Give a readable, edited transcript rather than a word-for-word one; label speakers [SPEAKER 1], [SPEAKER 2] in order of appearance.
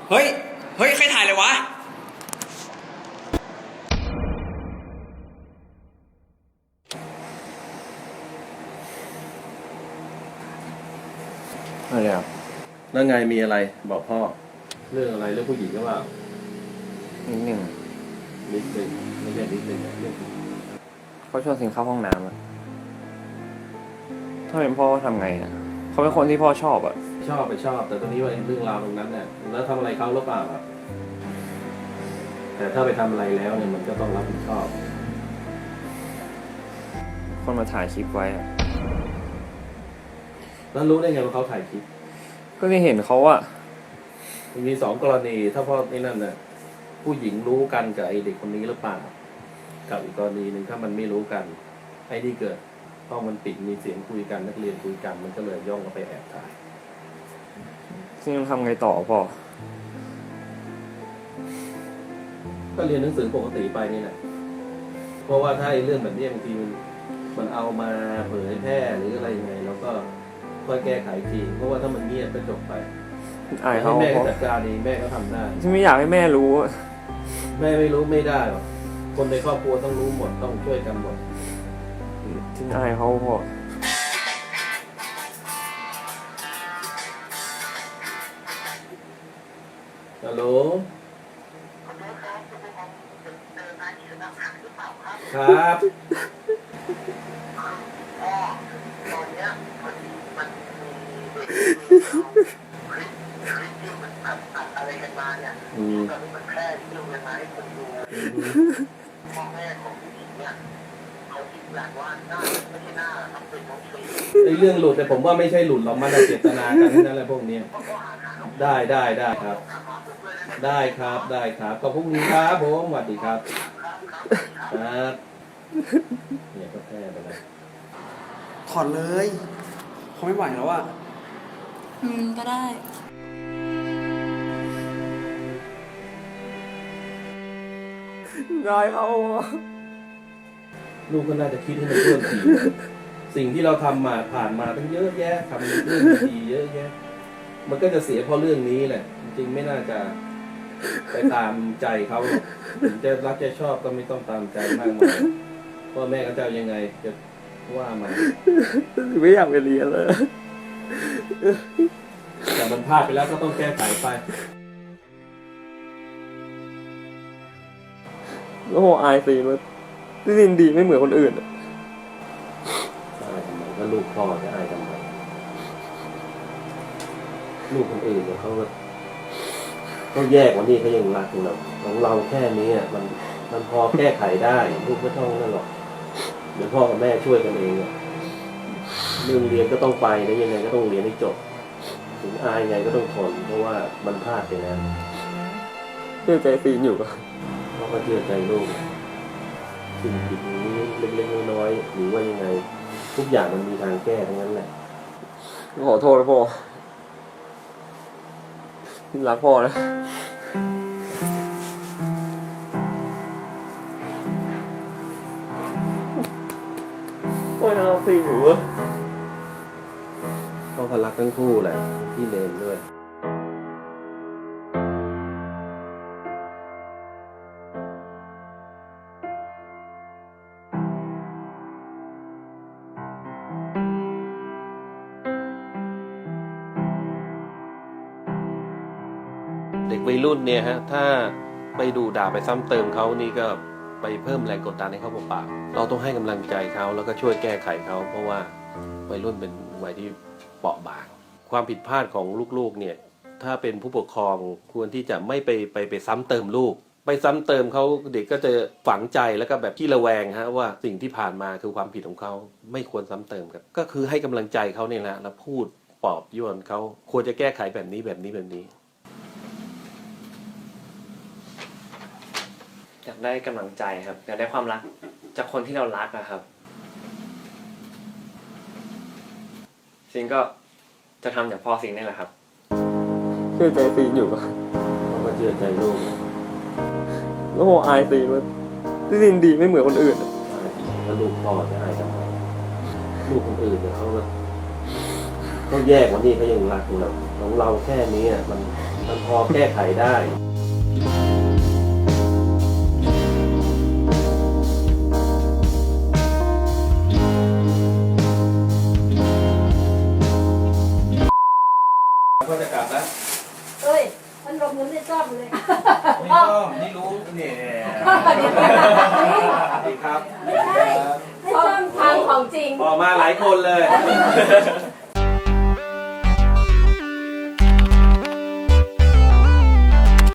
[SPEAKER 1] เฮ้ย เฮ้ย ใครถ่ายเลยวะ
[SPEAKER 2] อะไรครับแล้วไงมีอะไรบอกพ่อเรื่องอะไรเรื่องผู้หญิงก็ว่า
[SPEAKER 1] นิดหนึ่ง
[SPEAKER 2] ไม่ใช่นิดหนึ่งเรื่อง
[SPEAKER 1] เขาชวนสิงเข้าห้องน้ำอะถ้าเป็นพ่อทำไงอะเขาเป็นคนที่พ่อชอบอะ
[SPEAKER 2] ชอบไปชอบแต่ตอนนี้ว่าเรื่องราวตรงนั้นเนี่ยแล้วทำอะไรเขาหรือเปล่าครับแต่ถ้าไปทำอะไรแล้วเนี่ยมันก็ต้องรับผิดชอบ
[SPEAKER 1] คนมาถ่ายคลิปไว้อะ
[SPEAKER 2] แล้วรู้ได้ไงว่าเขาถ่ายคลิป
[SPEAKER 1] ก็ได้เห็นเขาอะ
[SPEAKER 2] มีสองกรณีถ้าพ่อนี่นั่นน่ะผู้หญิงรู้กันกับไอเด็กคนนี้หรือเปล่ากับอีกกรณีหนึ่งถ้ามันไม่รู้กันไอ้ที่เกิดห้องมันปิดมีเสียงคุยกันนักเรียนคุยกันมันก็เลยย่องเข้าไปแอบถ่าย
[SPEAKER 1] ซึ่งทำไงต่อพ่อ
[SPEAKER 2] ก็เรียนหนังสือปกติไปนี่แหละเพราะว่าถ้าไอ้เรื่องแบบนี้บางทีมันเอามาเผยแพร่หรืออะไรยังไงเราก็ค่อยแก้ไขทีเพราะว่าถ้ามันเงียบก็จบไป
[SPEAKER 1] อายเขา
[SPEAKER 2] แม่จัดการเองแม่ก็ทำได้
[SPEAKER 1] ที่ไม่อยากให้แม่รู้
[SPEAKER 2] แม่ไม่รู้ไม่ได้หรอกคนในครอบครัวต้องรู้หมดต้องช่วยกันหมด
[SPEAKER 1] ที่อายเขาพ่อ
[SPEAKER 2] ฮัลโหลครับ
[SPEAKER 3] ตอนนี้มันมีคลิปที่มันอัดอะไรกันมาเนี่ยตอนนี้มันแพร่ที่ลงมาให้คนดูพ่อแม่ของผู้หญิงเนี่ยเขาคิดแบบว่าหน้าไม่ใช่หน้าทำเป็นน้องสี
[SPEAKER 2] ไอ้เรื่องหลุดแต่ผมว่าไม่ใช่หลุดหรอกมันเจตนากันนั่นแหละพวกนี้ได้ครับได้ครับขอบคุณครับผมสวัสดีครับครับเนี่ยก็แพ้ไปแล้ว
[SPEAKER 4] ถอดเลยเขาไม่ไหวแล้วอ่ะ
[SPEAKER 5] ก็ได้
[SPEAKER 1] ได้เขา
[SPEAKER 2] ลูกก็น่าจะคิดให้มันเพิ่มทีสิ่งที่เราทำมาผ่านมาตั้งเยอะแยะทำเรื่องดีเยอะแยะมันก็จะเสียเพราะเรื่องนี้แหละจริงๆไม่น่าจะไปตามใจเขาถึงจะรักจะชอบก็ไม่ต้องตามใจมากมายพ่อแม่ก็จะยังไงจะว่ามา
[SPEAKER 1] ไม่อยากไปเรียนเลย
[SPEAKER 2] แต่มันพลาดไปแล้วก็ต้องแก้ไขไป
[SPEAKER 1] แล้วโหอายสิว่าที่ดินดีไม่เหมือนคนอื่น
[SPEAKER 2] อายทำไมก็ลูกพ่อจะอายทำไมลูกคนอื่นเนี่ยเขาแยกวันนี้เขายังรักเราของเราแค่นี้มันพอแก้ไขได้ลูกไม่ต้องนั่นหรอกเดี๋ยวพ่อกับแม่ช่วยกันเองเรื่องเรียนก็ต้องไปนะยังไงก็ต้องเรียนให้จบถึงอายไงก็ต้องทนเพราะว่ามันพลาดไปแล้ว
[SPEAKER 1] เชื่อใจฟีนอยู่
[SPEAKER 2] พ่อก็เชื่อใจลูกสิ่งผิดนี้เล็กๆน้อยๆหรือว่ายังไงทุกอย่างมันมีทางแก้ทั้งนั้นแหละ
[SPEAKER 1] ขอโทษนะพ่อรักพ่อนะโอ้ยเราสิหนู
[SPEAKER 2] พ่อก็รักทั้งคู่แหละพี่เลนด้วยเด็กวัยรุ่นเนี่ยฮะถ้าไปดูด่าไปซ้ำเติมเขานี่ก็ไปเพิ่มแรงกดดันให้เขาเปล่าๆเราต้องให้กำลังใจเขาแล้วก็ช่วยแก้ไขเขาเพราะว่าวัยรุ่นเป็นวัยที่เปราะบางความผิดพลาดของลูกๆเนี่ยถ้าเป็นผู้ปกครองควรที่จะไม่ไปซ้ำเติมลูกไปซ้ำเติมเขาเด็กก็จะฝังใจแล้วก็แบบที่ระแวงฮะว่าสิ่งที่ผ่านมาคือความผิดของเขาไม่ควรซ้ำเติมกันก็คือให้กำลังใจเขาเนี่ยแหละแล้วพูดปลอบโยนเขาควรจะแก้ไขแบบนี้
[SPEAKER 1] อยากได้กำลังใจครับอยากได้ความรักจากคนที่เรารักนะครับซิงก็จะทำอย่างพ่อซิงนี่แหละครับเชื่อใจซีนอยู่
[SPEAKER 2] เขาก็เชื่อใจลูก
[SPEAKER 1] แล้วโหอายซีนว่าที่ซินดีไม่เหมือนคนอื่น
[SPEAKER 2] แล้วลูกพ่อจะอายทำไมลูกคนอื่นเนี่ยเขาแยกวันนี้เขายังรักเราของเราแค่นี้มันพอแก้ไขได้ ก็จะกลับแล้ว
[SPEAKER 6] เอ้ยมันหลบเงินได้ซ่อมเลย
[SPEAKER 2] นี่ก็นี่รู้เนี่ยดีครับ
[SPEAKER 6] ไม่ใช่ให้ซ่อมทางของจริง
[SPEAKER 2] ออกมาหลายคนเลย